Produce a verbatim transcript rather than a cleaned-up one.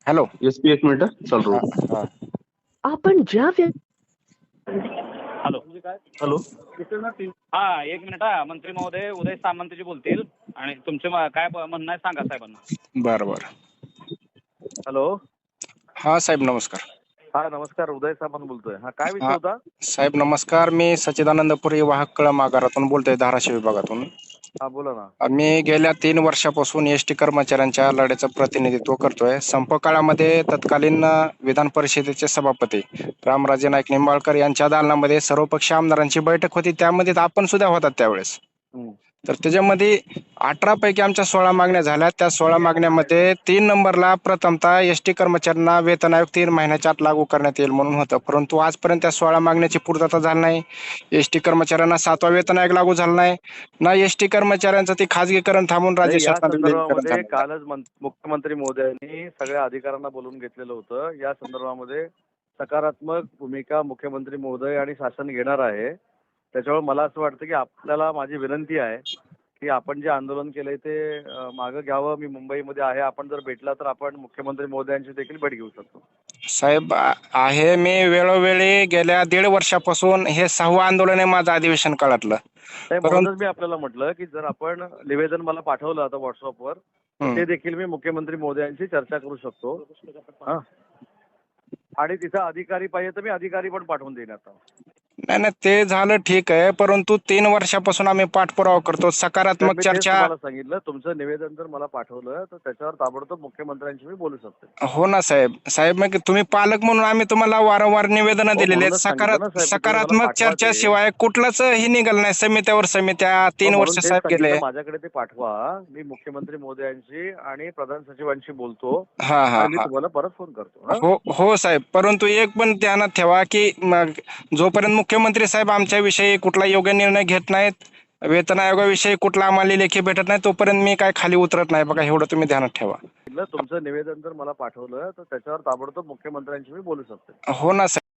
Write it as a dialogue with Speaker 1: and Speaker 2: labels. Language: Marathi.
Speaker 1: हॅलो.
Speaker 2: एस पी एक मिनिट चालू
Speaker 1: हा,
Speaker 2: राहू.
Speaker 1: हा.
Speaker 3: आपण ज्या व्य-
Speaker 4: हॅलो
Speaker 2: हॅलो.
Speaker 4: हा एक मिनिट हा मंत्री महोदय उदय सामंतजी बोलतील आणि तुमचे म- काय ब- म्हणणं आहे सांगा साहेबांना.
Speaker 1: बरं बरं.
Speaker 4: हॅलो
Speaker 1: हा साहेब नमस्कार.
Speaker 4: हा नमस्कार उदय सामंत बोलतोय. हा काय विषय
Speaker 1: हा
Speaker 4: होता?
Speaker 1: साहेब नमस्कार. मी सच्चिदानंदपुरी वाहक कळम आगारातून बोलतोय, धाराशिव विभागातून.
Speaker 4: हा बोला ना.
Speaker 1: मी गेल्या तीन वर्षापासून एस टी कर्मचाऱ्यांच्या लढ्याचं प्रतिनिधित्व करतोय. संप काळामध्ये तत्कालीन विधान परिषदेचे सभापती रामराजे नाईक निंबाळकर यांच्या दालनामध्ये सर्वपक्षीय आमदारांची बैठक होती. त्यामध्ये आपण सुद्धा होतात त्यावेळेस.
Speaker 4: हम्म.
Speaker 1: तर त्याच्यामध्ये अठरा पैकी आमच्या सोळा मागण्या झाल्या. त्या सोळा मागण्यामध्ये तीन नंबरला प्रथमतः एस टी कर्मचाऱ्यांना वेतन आयोग तीन महिन्याच्या आत लागू करण्यात येईल म्हणून होतं, परंतु आजपर्यंत त्या सोळा मागण्याची पूर्तता झाली नाही. एस टी कर्मचाऱ्यांना सातवा वेतन आयोग लागू झाला नाही ना एस टी कर्मचाऱ्यांचं ते खाजगीकरण थांबून राज्य
Speaker 4: नाही, या
Speaker 1: शासनाचं विलीनीकरण
Speaker 4: संदर्भामध्ये
Speaker 1: झालं.
Speaker 4: कालच मं- मुख्यमंत्री महोदयांनी सगळ्या अधिकाऱ्यांना बोलून घेतलेलं होतं. या संदर्भामध्ये सकारात्मक भूमिका मुख्यमंत्री महोदय आणि शासन घेणार आहे. त्याच्यामुळे मला असं वाटतं की आपल्याला माझी विनंती आहे की आपण जे आंदोलन केलंय ते अं, मागं घ्यावं. मी मुंबईमध्ये आहे, आपण जर भेटला तर आपण मुख्यमंत्री महोदयांची देखील भेट घेऊ शकतो.
Speaker 1: साहेब आ- आहे मी वेळोवेळी गेल्या दीड वर्षापासून हे सहावं आंदोलन आहे माझं अधिवेशन काळातलं.
Speaker 4: नाही,
Speaker 1: परंतु
Speaker 4: म्हणूनच मी आपल्याला म्हटलं की जर आपण निवेदन मला पाठवलं आता व्हॉट्सअपवर तर
Speaker 1: हं.
Speaker 4: ते देखील मी मुख्यमंत्री महोदयांशी चर्चा करू शकतो. हा. आणि तिथं अधिकारी पाहिजे तर मी अधिकारी पण पाठवून देईन आता.
Speaker 1: नाही नाही ते झालं ठीक आहे, परंतु तीन वर्षापासून आम्ही पाठपुरावा करतो.
Speaker 4: तर
Speaker 1: सकारात्मक
Speaker 4: मी तेच
Speaker 1: चर्चा.
Speaker 4: तुम्हाला सांगितलं, तुमचं निवेदन जर मला पाठवलं तर त्याच्यावर ताबडतोब मुख्यमंत्र्यांशी मी बोलू शकतो.
Speaker 1: हो ना साहेब. साहेब मग तुम्ही पालक म्हणून आम्ही तुम्हाला वारंवार निवेदन
Speaker 4: हो,
Speaker 1: दिलेले आहेत.
Speaker 4: म्हणूनच सांगितलं ना
Speaker 1: सकारात्मक
Speaker 4: साहेब, तुम्ही मला
Speaker 1: सकारात्मक
Speaker 4: पाठवा ते.
Speaker 1: चर्चेशिवाय कुठलंच हे निघालं नाही. समित्यावर समित्या
Speaker 4: हो,
Speaker 1: तीन
Speaker 4: म्हणून
Speaker 1: वर्ष
Speaker 4: तेच
Speaker 1: साहेब गेले.
Speaker 4: सांगितलं, माझ्याकडे ते पाठवा. मी मुख्यमंत्री महोदयांशी आणि प्रधान सचिवांशी बोलतो
Speaker 1: हा हा
Speaker 4: आणि मी
Speaker 1: हा.
Speaker 4: तुम्हाला परत फोन करतो. हा?
Speaker 1: हो हो साहेब, परंतु एक पण ध्यानात ठेवा की मग जोपर्यंत मुख्यमंत्री साहेब आमच्याविषयी कुठला योग्य निर्णय घेत नाहीत, वेतन आयोगाविषयी कुठला आम्हाला लेखी भेटत नाही, तोपर्यंत मी काय खाली उतरत नाही बघा, एवढं तुम्ही ध्यानात ठेवा.
Speaker 4: तुमचं निवेदन जर मला पाठवलं तर त्याच्यावर ताबडतोब मुख्यमंत्र्यांशी मी बोलू शकतो.
Speaker 1: हो ना साहेब.